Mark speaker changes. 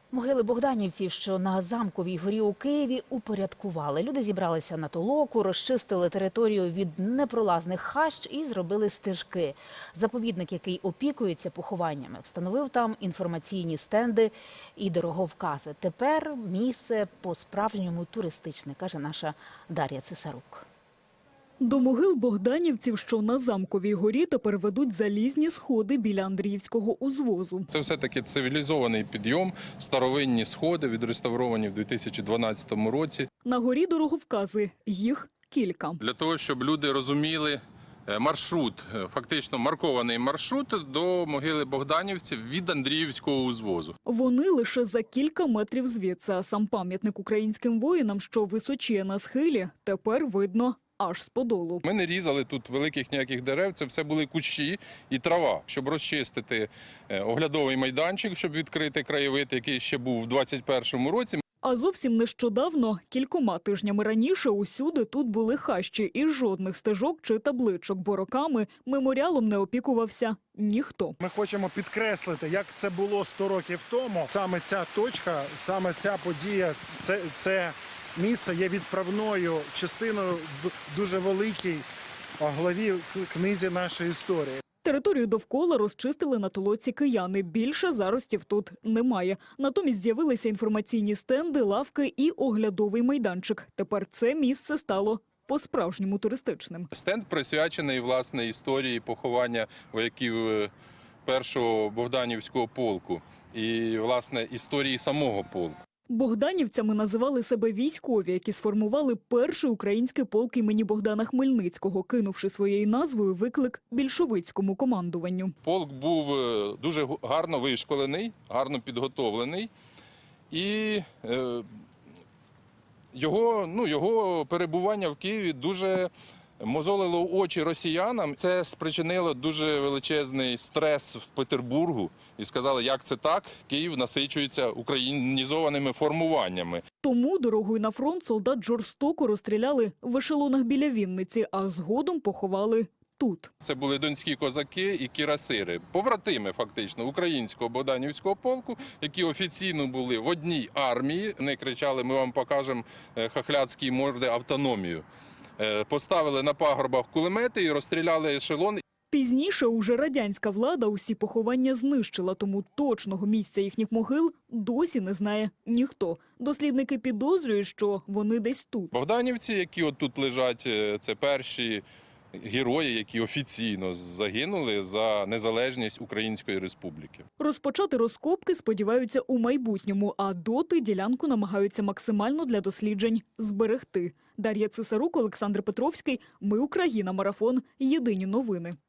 Speaker 1: Могили богданівців, що на Замковій горі у Києві, упорядкували. Люди зібралися на толоку, розчистили територію від непролазних хащ і зробили стежки. Заповідник, який опікується похованнями, встановив там інформаційні стенди і дороговкази. Тепер місце по-справжньому туристичне, каже наша Дар'я Цесарук.
Speaker 2: До могил богданівців, що на Замковій горі, тепер ведуть залізні сходи біля Андріївського узвозу.
Speaker 3: Це все-таки цивілізований підйом, старовинні сходи, відреставровані в 2012 році.
Speaker 2: На горі дороговкази, їх кілька.
Speaker 3: Для того, щоб люди розуміли маршрут, фактично маркований маршрут до могили богданівців від Андріївського узвозу.
Speaker 2: Вони лише за кілька метрів звідси, а сам пам'ятник українським воїнам, що височіє на схилі, тепер видно аж з подолу.
Speaker 3: Ми не різали тут великих ніяких дерев, це все були кущі і трава. Щоб розчистити оглядовий майданчик, щоб відкрити краєвид, який ще був в 2021 році.
Speaker 2: А зовсім нещодавно, кількома тижнями раніше, усюди тут були хащі і жодних стежок чи табличок, бо роками меморіалом не опікувався ніхто.
Speaker 4: Ми хочемо підкреслити, як це було 100 років тому. Саме ця точка, саме ця подія, це місце є відправною частиною в дуже великій главі книзі нашої історії.
Speaker 2: Територію довкола розчистили на толоці кияни. Більше заростів тут немає. Натомість з'явилися інформаційні стенди, лавки і оглядовий майданчик. Тепер це місце стало по-справжньому туристичним.
Speaker 3: Стенд присвячений, власне, історії поховання вояків першого Богданівського полку і, власне, історії самого полку.
Speaker 2: Богданівцями називали себе військові, які сформували перший український полк імені Богдана Хмельницького, кинувши своєю назвою виклик більшовицькому командуванню.
Speaker 3: Полк був дуже гарно вишколений, гарно підготовлений, і його перебування в Києві дуже мозолило очі росіянам. Це спричинило дуже величезний стрес в Петербургу. І сказали, як це так? Київ насичується українізованими формуваннями.
Speaker 2: Тому дорогою на фронт солдат жорстоко розстріляли в ешелонах біля Вінниці, а згодом поховали тут.
Speaker 3: Це були донські козаки і кірасири, побратими фактично українського Богданівського полку, які офіційно були в одній армії. Вони кричали, ми вам покажемо хохлядські морди автономію. Поставили на пагорбах кулемети і розстріляли ешелон.
Speaker 2: Пізніше уже радянська влада усі поховання знищила, тому точного місця їхніх могил досі не знає ніхто. Дослідники підозрюють, що вони десь тут.
Speaker 3: Богданівці, які от тут лежать, це перші герої, які офіційно загинули за незалежність Української Республіки.
Speaker 2: Розпочати розкопки сподіваються у майбутньому, а доти ділянку намагаються максимально для досліджень зберегти. Дар'я Цесарук, Олександр Петровський. Ми Україна. Марафон. Єдині новини.